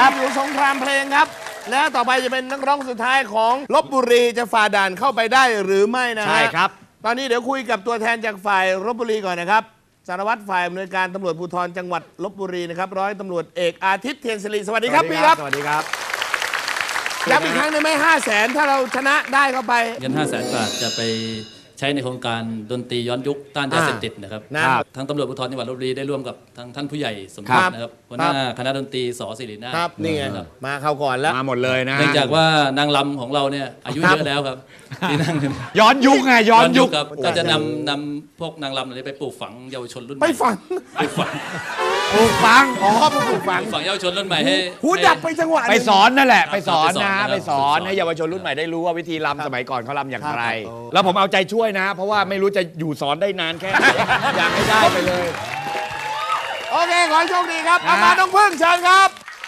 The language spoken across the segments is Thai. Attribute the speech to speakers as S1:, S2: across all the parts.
S1: ครับอยู่สงครามเพลงครับและต่อไปจะเป็นนักร้องสุดท้ายของลพบุรีจะฝ่าด่านเข้าไปได้หรือไม่นะฮะ
S2: ใช่ครับ
S1: ตอนนี้เดี๋ยวคุยกับตัวแทนจากฝ่ายลพบุรีก่อนนะครับสารวัตรฝ่ายอำนวยการตำรวจภูธรจังหวัดลพบุรีนะครับร้อยตำรวจเอกอาทิตย์เทียนศิริสวัสดีครับพี่ครับ
S2: สวัสดีครับ
S1: ย้ำอีกครั้งได้ไหม500,000ถ้าเราชนะได้เข้าไป
S3: เงิน 500,000 บาทจะไปใช้ในโครงการดนตรีย้อนยุคต้านยาเสพติดนะครับ
S1: ครับ
S3: ทางตำรวจภูธรจังหวัดลพบุรีได้ร่วมกับทางท่านผู้ใหญ่สม
S1: ครั
S3: คิ
S1: บ
S3: ดนะครับหัวหน้าคณะดนตรีสศิรินาถ
S1: ครับนี่ไง
S3: ครับ
S1: มาเข้าก่อนแล้ว
S2: มาหมดเลยนะ
S3: เนื่องจากว่านางรำของเราเนี่ยอายุเยอะแล้วครับที่นั่ง
S2: ย้อนยุคไงย้อนยุค
S3: ครับก็จะนำพวกนางรำเหล่านี้ไปปลูกฝังเยาวชนรุ่นให
S1: ไป
S3: ม่
S1: ฝัง
S3: ปลูกฝัง
S2: ปลูกฝัง
S1: อ๋อไปปลูกฝัง
S3: ปลูกฝังเยาวชนรุ่นใหม่ให้
S1: หูดับไปจังหวะห
S2: ไป
S1: นึ่ง
S2: สอนนั่นแหละ
S3: ครับ
S2: ไปสอนนะ
S3: ไป
S2: ไป
S3: ส
S2: ส
S3: อ
S2: อน นให้เยาวชนรุ่นใหม่ได้รู้ว่าวิธีรำสมัยก่อนเขารำอย่างไร
S1: ครับ
S2: แล้วผมเอาใจช่วยนะ เพราะว่าไม่รู้จะอยู่สอนได้นานแค่ไหนอยากให้ได้ไปเลย
S1: โอเคขอให้โชคดีครับเอามาน้องพึ่งเชิญครับ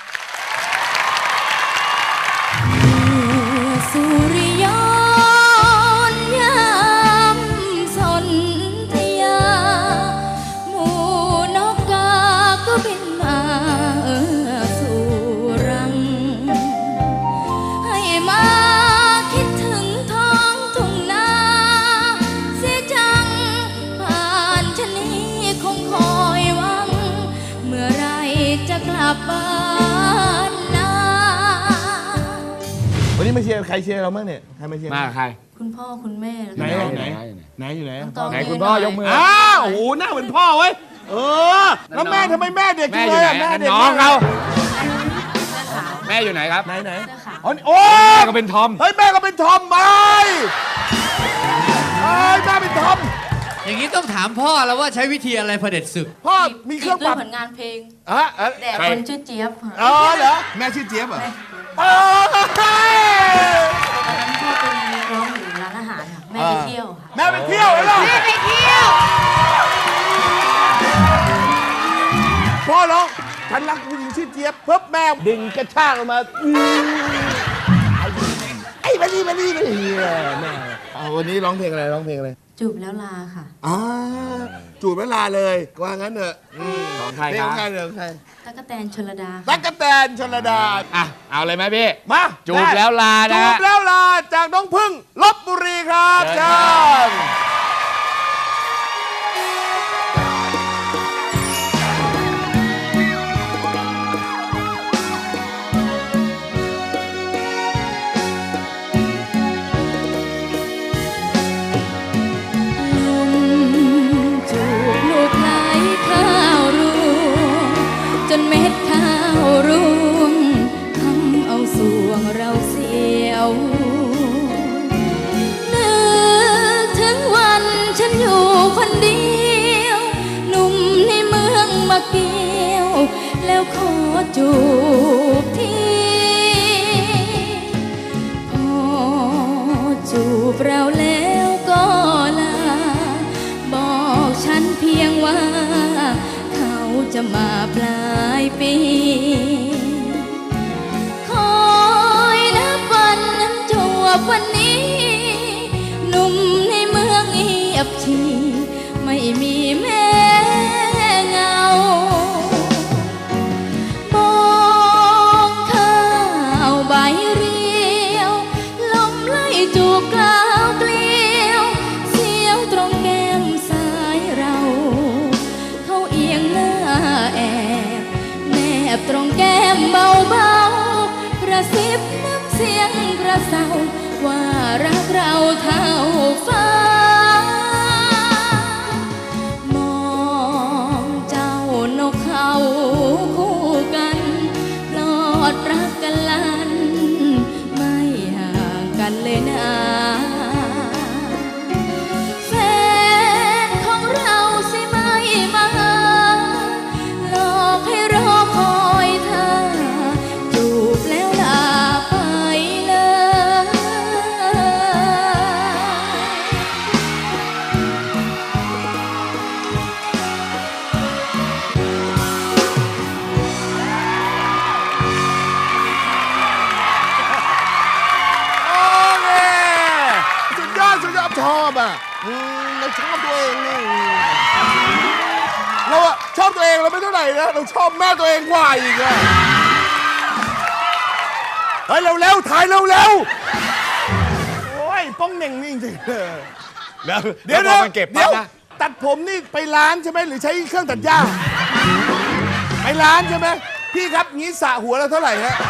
S4: สุริยนต์ยามสนธยาหมู่นกกาก็บินมาสู่รัง ให้มาคิดถึงท้องทุ่งนาเสียจังผ่านชะนี้คงคอยหวัง เมื่อไรจะกลับบ้านนา
S1: วันนี้มาเชียร์ใครเชียร์เราบ้างเนี่ยใครมาเชียร์
S2: มาใคร
S4: คุณพ่อคุณแม่
S1: ไหน
S4: แล้ว
S1: ไหน
S4: ก็
S1: ไหนอยู่ไหน
S4: ตอง
S2: ไหนคุณพ่อยกมือ
S1: อ้าวโอ้โหหน้าเหมือนพ่อเว้ยแล้วแม่ทำไมแม่เด็ก
S2: แม่
S1: จัง
S2: อ
S1: เล
S2: ยู่
S1: ย
S2: ไหน
S1: อะแม่เด็ก
S2: น้องเขา
S4: เสื้อขาว
S2: แม่อยู่ไหนครับ
S1: ไหน
S4: เสื้อขาว
S1: โอ้
S2: แม่ก็เป็นทอม
S1: เฮ้ยแม่ก็เป็นทอมไปเฮ้ยแม่เป็นทอม
S5: อย่างนี้ต้องถามพ่อแล้วว่าใช้วิธีอะไรเผด็จศึก
S1: พ่อมีเครื่อง
S4: ด้
S1: ป
S4: ว
S1: รั
S4: ย
S1: บ
S4: ผลงานเพลง
S1: แ
S4: แต่คนชื่อเจี๊ยบค่ะ
S1: อ๋อเหรอ
S6: แม่ชื่อเจี๊ยบเหรอ
S1: โอ้ย
S4: ตอนนั้นพ่อเป็นนักร้องอยู่ร้านอาหารค่ะแม่ไปเที่ยวค่ะ
S1: แม่ไปเที่ยวเหรอ
S4: แม่ไปเที่ยว
S1: พ่อร้องฉันรักผู้หญิงชื่อเจี๊ยบเพิ่แม่ดึงกระชากออกมาไอ้มานี่แม่เอาวันนี้ร้องเพลงอะไรร้องเพลงอะไร
S4: จูบแล้วลาค่ะ
S1: จูบเวลาเลยว่างั้นเถอะ
S2: ของใคร
S1: เพลง
S2: ค
S1: ข
S2: รั
S1: อบ งใครเดี๋ยวใคร
S4: ตั๊กแตนชลดาค่ะ
S1: ตั๊กแตนชลดา
S2: อ่ะเอาเลยไหมพี่
S1: มา
S2: จูบแล้วลานะ
S1: จูบแล้วลาจากน้องพึ่งลพบุรีครับ
S2: เชิ
S1: เชิ
S2: ญ
S1: ญ
S4: ลุงจูบลูกไหลข้าวร่วงจนเม็ดข้าวร่วงทำเอาสวงเราเสียวนึกถึงวันฉันอยู่คนเดียวหนุ่มในเมืองมาเกี่ยว แล้วขอจูบทีพอจูบเราแล้วก็ลา บอกฉันเพียงว่า เขาจะมาปลายปี คอยนับวันนั้นจวบวันนี้ หนุ่มในเมืองเงียบชีไม่มีแม่เงามองข้าวใบเรียว ลมไล่จูบกล่าวเกลียว เสียวตรงแก้มซ้ายเรา เขาเอียงหน้าแอบแนบตรงแก้มเบาๆกระซิบน้ำเสียงกระเซาว่ารักเราเท่าฟ้ามองเจ้านกเขาคู่กันปลอดรักกันลัน ไม่ห่างกันเลยนะ แฟนของเราสิไม่มาหลอกให้รอคอยเธอ จูบแล้วลาไปเลย
S1: โอเคสุดยอดชอบอ่ะเราชอบตัวเองนี่เราอะชอบตัวเองเราไม่เท่าไหร่นะเราชอบแม่ตัวเองกว่าอีกอะเฮ้ยเร็วๆถ่ายเร็วๆโอ้ยป้องเหน่งนี่จริงๆเลย
S2: แล้ว
S1: เดี๋ยว
S2: พอมันเก็บปั๊บนะ
S1: ตัดผมนี่ไปร้านใช่ไหมหรือใช้เครื่องตัดหญ้าไปร้านใช่ไหมพี่ครับงี้สระหัวแล้วเท่าไหร่ฮะ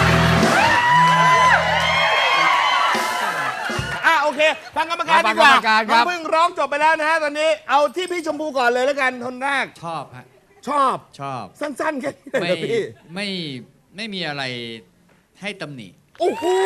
S1: โอเคฟังกรรมการดีกว่า
S2: ฟังกรรมการครับ
S1: เพิ่งร้องจบไปแล้วนะฮะตอนนี้เอาที่พี่ชมพูก่อนเลยแล้วกันคนแรก
S5: ชอบฮะ
S1: ชอบ
S5: ชอบ
S1: สั้นๆแค่นี้เลย
S5: ไม่
S1: นะพี่
S5: ไม่มีอะไรให้ตำหนิ
S1: โอ้โห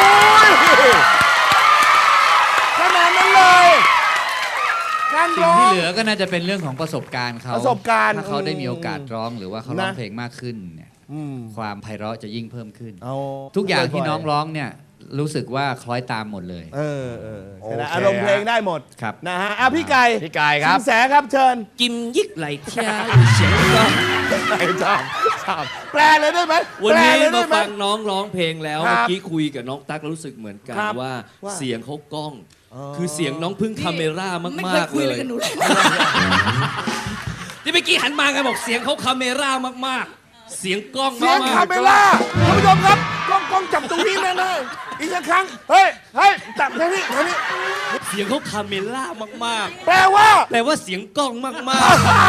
S1: ขนาดนั้นเลยการ
S5: สิ่ง
S1: ร้อง
S5: ที่เหลือก็น่าจะเป็นเรื่องของประสบการณ์เขา
S1: ประสบการณ์
S5: ถ้าเขาได้มีโอกาสร้องหรือว่าเขาร้อง
S1: นะ
S5: เพลงมากขึ้นเนี่ย
S1: อืม
S5: ความไพเราะจะยิ่งเพิ่มขึ้น
S1: เอา
S5: ทุกอย่างที่น้องร้องเนี่ยรู้สึกว่าคล้อยตามหมดเลย
S1: ใช่ไหมอารมณ์เพลงได้หมด
S5: ครับ
S1: นะฮะพี่ไก่
S2: พี่ไก่ครับ
S1: สินแสครับเชิญ
S6: กิมยิกไหลเทียเสียงก็
S1: ชอบแปลเลยได้ไหม
S6: วันนี้
S1: แปลเลย
S6: มา
S1: ได้ไห
S6: ฟังน้องร้องเพลงแล้ว
S1: ครับ
S6: เมื่อกี้คุยกับน้องตั๊กแล้วรู้สึกเหมือนกัน
S1: ครับ
S6: ว่า
S1: ว่า
S6: เสียงเขากล้อง คือเสียงน้องพึ่งคาเมร่ามาก
S7: ไม่
S6: ๆ
S7: เคยคุย
S6: เล
S7: อะไร
S6: ย
S7: กับหนูเลย
S6: ที่เมื่อกี้หันมากันบอกเสียงเขาคาเมร่ามากๆ เสียงกล้อง
S1: เสียง
S6: มา
S1: คาก เมล่าท่านผู้ชมครับกล้องจับตรงนี้แน่ๆอีกสักครั้งเฮ้ยจับทางนี้
S6: ๆเสียงเขาคาเมร่ามาก
S1: แปลว่า
S6: ๆแปลว่าเสียงกล้องมาก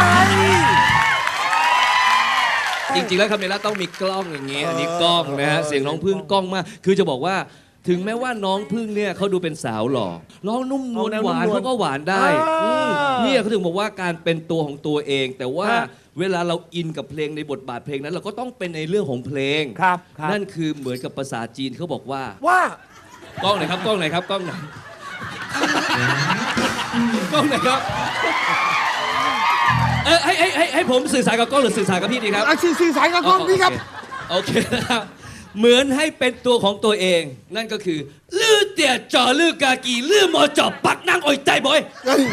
S6: ๆ จริงๆแล้วคาเมร่าต้องมีกล้องอย่างงี้อันนี้กล้องนะฮะเสียงน้องพึ่งกล้องมาก คือจะบอกว่าถึงแม้ว่าน้องพึ่งเนี่ยเขาดูเป็นสาวหล่อร้องนุ่มนวลหวานเขาก็หวานได้เนี่ยเขาถึงบอกว่าการเป็นตัวของตัวเอง แต่ว่าเวลาเราอินกับเพลงในบทบาทเพลงนั้น เราก็ต้องเป็นในเรื่องของเพลง
S1: ครับ
S6: นั่นคือเหมือนกับภาษาจีนเขาบอกว่า
S1: ว่า
S6: กล้องไหนครับกล้องไหนครับกล้องไหนกล้องไหนครับให้ผมสื่อสารกับกล้องหรือสื่อสารกับพี่ดีครับ
S1: สื่อสารกับกล้องพี่ครับ
S6: โอเคนะครับเหมือนให้เป็นตัวของตัวเอง นั่นก็คือลื้อเตี่ยจ่อลื้อกากีลื้อหมอจอบปักนั่งอ่อยใจบ่อย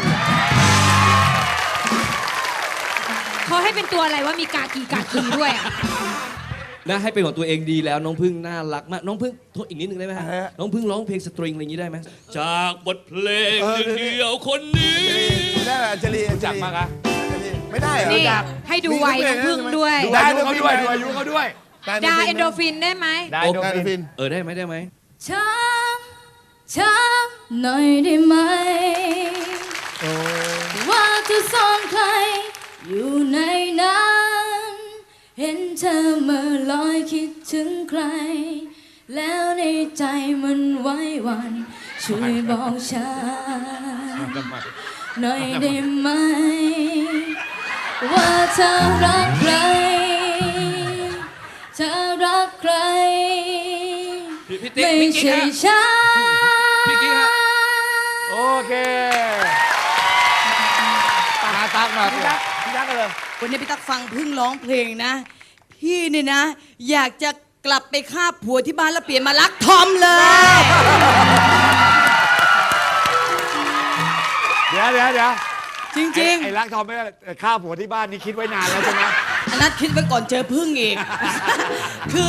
S7: เขาให้เป็นตัวอะไรว่ามีกากีด้วยอ่ะ
S6: นะให้เป็นของตัวเองดีแล้วน้องพึ่งน่ารักมากน้องพึ่งโทษอีกนิดนึงได้ไหมฮะ
S1: ฮะ
S6: น้องพึ่งร้องเพลงสตริงอะไรอย่างนี้ได้ไหมจากบทเพลงหนึ่งเดียวคนนี้
S1: ได้ไหมอัญชลี
S2: จับมากอะ
S1: ไม่ได้เหรอ
S7: นี่
S1: จับ
S7: ให้ดูวัยน้องพึ่งด้วย
S2: ดูอายุเขาด้วยดูอายุเขาด้วย
S7: ดาเอนโดรฟินได้ไหม
S2: ได้
S1: โอ
S2: ดู
S1: เค
S2: ฟิน
S1: ฟิน
S6: ได้ไหมได้ไหม
S4: ช้าหน่อยได้ไหมว่าเธอซ่อนใคร อยู่ในนั้น เห็นเธอเมื่อลอยคิดถึงใคร แล้วในใจมันไหว้หวัน ช่วยบอกฉันหน่อยได้ไหม ว่าเธอรักใคร เธอรักใคร
S6: พี่ติ๊ก
S4: ไม่
S6: พี่กิ๊ก
S4: ใช่
S6: ฮะ
S4: ฉัน
S6: พี่กิ๊กฮะ
S2: โอเคตาตักมา
S1: พี่ยักษ์เลย
S7: วันนี้พี่ตั๊กฟังพึ่งร้องเพลงนะ พี่เนี่ยนะ อยากจะกลับไปฆ่าผัวที่บ้านแล้วเปลี่ยนมารักทอมเลย
S2: เดี๋ยว
S7: จริง
S2: ไอ้รักทอมไม่ได้ข้าวผัวที่บ้านนี่คิดไว้นานแล้วใช่ไหม
S7: ๆ อันนั้นคิดไว้ก่อนเจอพึ่งอีก คือ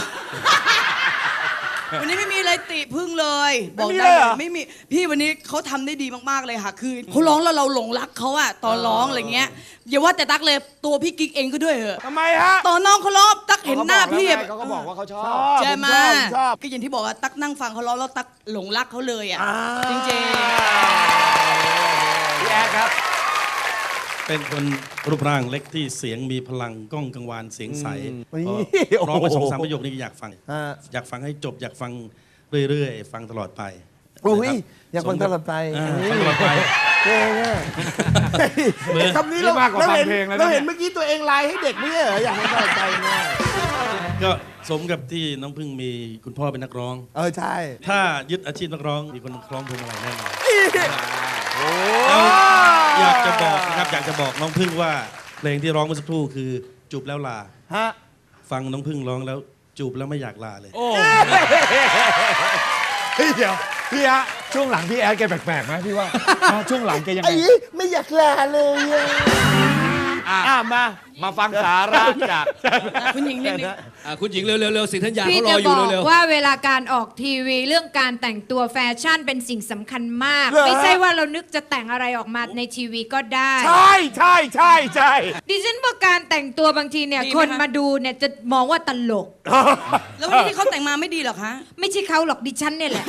S7: วันนี้ไม่มีอะไรติพึ่งเลย บอกได้เลยไม่มีพี่วันนี้เขาทำได้ดีมากๆเลยค่ะ คือเขาร้องแล้วเราหลงรักเขาอะตอนร้องอะไรเงี้ยอย่าว่าแต่ตั๊กเลยตัวพี่กิ๊กเองก็ด้วยเหอะ
S1: ทำไมฮะ
S7: ตอนน้องเขาร้องตั๊กเห็นหน้าพี่อะ
S2: เขาก็บอกว่าเขาชอบ
S7: ใช่ไหม
S1: ผมชอบ
S7: ก็อย่างที่บอกว่าตั๊กนั่งฟังเขาร้องแล้วตั๊กหลงรักเขาเลยอ่ะ จริง
S2: พี่แอดครับ
S8: เป็นคนรูปร่างเล็กที่เสียงมีพลังก้องกังวานเสียงใส
S1: นี่
S8: ก็ร้องไป
S1: โอ้โห
S8: 2-3 ประโยคนี้อยากฟัง
S1: ฮะ
S8: อยากฟังให้จบอยากฟังเรื่อยๆ ฟังตลอดไป
S1: โอ้ย
S8: นะครับ
S1: อยากฟังตลอดไป
S8: อ่า
S1: อันนี้
S8: ฟังตลอดไป
S1: เก่งอะคำนี้
S2: นี่มากกว่าฟังเพลงแล้วนะ
S1: เราเห็นเมื่อกี้ตัวเองไลน์ให้เด็กไม่ใช่เหรออยากฟังตลอดไปเนี่ย
S8: ก็สมกับที่น้องพึ่งมีคุณพ่อเป็นนักร้อง
S1: ใช่
S8: ถ้ายึดอาชีพนักร้อง มีคนคล้องพวงมาลัยแน่นอน
S1: โอ้
S8: แล้วอยากจะบอกนะครับอยากจะบอกน้องพึ่งว่าเพลงที่ร้องเมื่อสักครู่คือจูบแล้วลา
S1: ฮะ
S8: ฟังน้องพึ่งร้องแล้วจูบแล้วไม่อยากลาเลย
S2: เฮ้ยเดี๋ยวพี่ฮะช่วงหลังพี่แอดแกแปลกๆไหมพี่ว่าช่วงหลังแกยังไง
S1: ไอ้ไม่อยากลาเลยอะ
S2: มาฟังสาระจาก
S7: คุณหญิงนิดนึง
S6: คุณหญิงเร็วๆสิทธัญญา
S9: พี่
S6: เขาร
S9: จะ
S6: ออบ ยู่
S9: อก
S6: เร็ว
S9: ว่าเวลาการออกทีวีเรื่องการแต่งตัวแฟชั่นเป็นสิ่งสำคัญมาก
S1: เหรอ
S9: ไม่ใช่ว่าเรานึกจะแต่งอะไรออกมาในทีวีก็ได้
S1: ใช่ใช่ใช่ใช่
S9: ดิฉันว่าการแต่งตัวบางทีเนี่ย
S7: ดีไหม
S9: คน
S7: คะ
S9: มาดูเนี่ยจะมองว่าตลก
S7: แล้ววันนี้ที่เขาแต่งมาไม่ดีเหรอคะ
S9: ไม่ใช่เขาหรอกดิฉันเนี่ยแหละ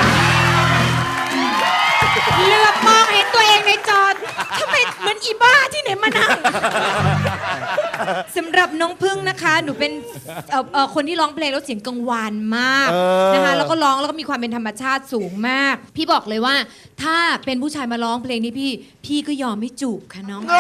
S9: เหลือบมองเห็นตัวเองในจอทำไมเหมือนอีบ้าที่ไหนมานั่ง สำหรับน้องพึ่งนะคะ หนูเป็นคนที่ร้องเพลงแล้วเสียงกังวานมากนะคะแล้วก็ร้องแล้วก็มีความเป็นธรรมชาติสูงมาก พี่บอกเลยว่า ถ้าเป็นผู้ชายมาร้องเพลงนี้พี่ก็ยอมไม่จูบค่ะน้อง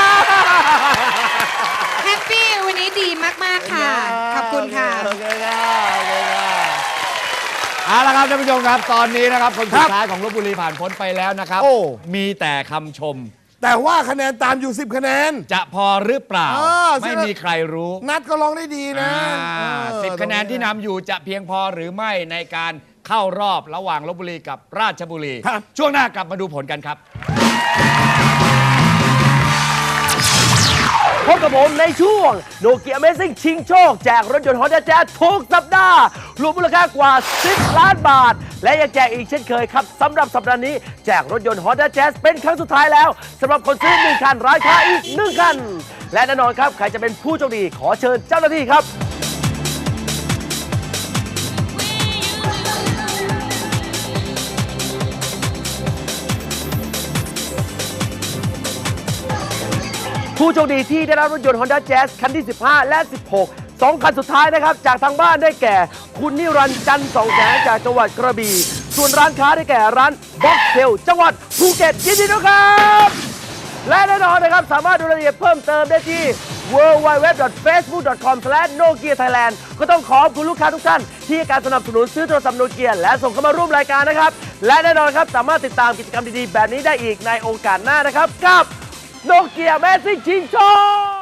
S9: แฮปปี้วันนี้ดีมากๆค่ะ ขอบคุณค่ะ
S1: โอเคค่ะโอเคค่ะ
S2: เอาละครับท่านผู้ชมครับ ตอนนี้นะครับคนสุดท้ายของลพบุรีผ่านพ้นไปแล้วนะครับ
S1: โอ้
S2: มีแต่คำชม
S1: แต่ว่าคะแนนตามอยู่ 10 คะแนน
S2: จะพอหรือเปล่า
S1: ใช่
S2: ไม่มีใครรู้
S1: นัดก็ร้องได้ดีนะ
S2: 10 คะแนนที่นำอยู่จะเพียงพอหรือไม่ในการเข้ารอบระหว่างลพบุรีกับราชบุรี
S1: ครับ
S2: ช่วงหน้ากลับมาดูผลกันครับ
S10: พบกับผมในช่วงโนเกีย Amazing ชิงโชคแจกรถยนต์ Honda Jazz ทุกสัปดาห์รวมมูลค่ากว่า 10 ล้านบาท และยังแจกอีกเช่นเคยครับสำหรับสัปดาห์นี้แจกรถยนต์ Honda Jazz เป็นครั้งสุดท้ายแล้วสำหรับคนซื้อ1 คันร้านค้าอีก 1 คัน และแน่นอนครับใครจะเป็นผู้โชคดีขอเชิญเจ้าหน้าที่ครับ ผู้โชคดีที่ได้รับรถยนต์ Honda Jazz คันที่ 15 และ 16 2 คันสุดท้ายนะครับ จากทางบ้านได้แก่ คุณนิรันดร์จันทร์สองแสงจากจังหวัดกระบี่ ส่วนร้านค้าได้แก่ร้านบ็อกเทลจังหวัดภูเก็ตยินดีด้วยครับ และแน่นอนนะครับ สามารถดูรายละเอียดเพิ่มเติมได้ที่ www.facebook.com/nokia-thailand ก็ต้องขอบคุณลูกค้าทุกท่านที่ให้การสนับสนุนซื้อโทรศัพท์โนเกียและส่งเข้ามาร่วมรายการนะครับ และแน่นอนครับสามารถติดตามกิจกรรมดีๆแบบนี้ได้อีกในโอกาสหน้านะครับกับโนเกีย Amazing ชิงโชค